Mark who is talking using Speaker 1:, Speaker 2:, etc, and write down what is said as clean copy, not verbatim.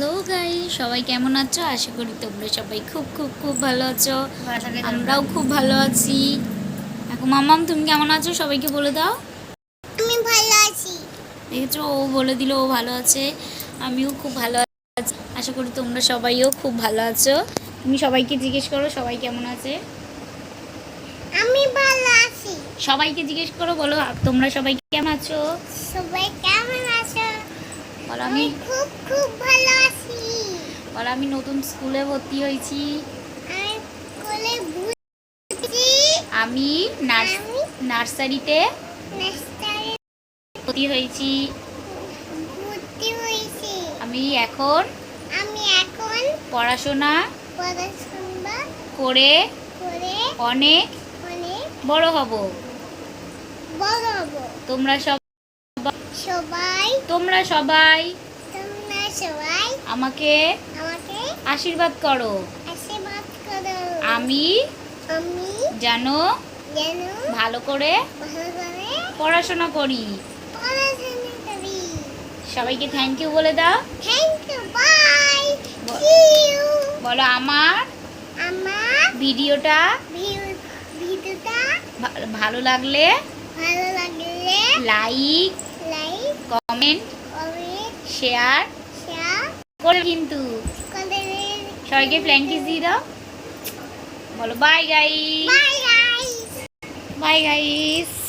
Speaker 1: Hello guys, সবাই কেমন আছো? আশা করি তোমরা সবাই খুব খুব খুব ভালো আছো। আমরাও খুব ভালো আছি। এখন মাম্মাম, তুমি কেমন আছো? সবাইকে বলে দাও।
Speaker 2: আমি ভালো আছি।
Speaker 1: দেখেছো, ও বলে দিল ও ভালো আছে। আমিও খুব ভালো আছি। আশা করি তোমরা সবাইও খুব ভালো আছো। তুমি সবাইকে জিজ্ঞেস করো সবাই কেমন আছে।
Speaker 2: আমি ভালো আছি।
Speaker 1: সবাইকে জিজ্ঞেস করো, বলো তোমরা সবাই কেমন আছো।
Speaker 2: সবাই কেমন আছো?
Speaker 1: বলো
Speaker 2: আমি খুব খুব ভালো আছি।
Speaker 1: বলো আমি নতুন স্কুলে ভর্তি হয়েছি।
Speaker 2: আমি স্কুলে ভর্তি।
Speaker 1: আমি নার্সারিতে ভর্তি হয়েছি। আমি এখন পড়াশোনা করে অনেক বড় হব। তোমরা সবাই আমাকে আশীর্বাদ করো। আমি যেন ভালো করে পড়াশোনা করি। সবাইকে থ্যাংক ইউ বলে দাও। বলো আমার ভিডিওটা ভালো লাগলে লাইক কমেন্ট শেয়ার করে কিন্তু সবাইকে ফ্ল্যাঙ্ক কিস দিয়ে দাও। বলো বাই গাইস। Bye guys.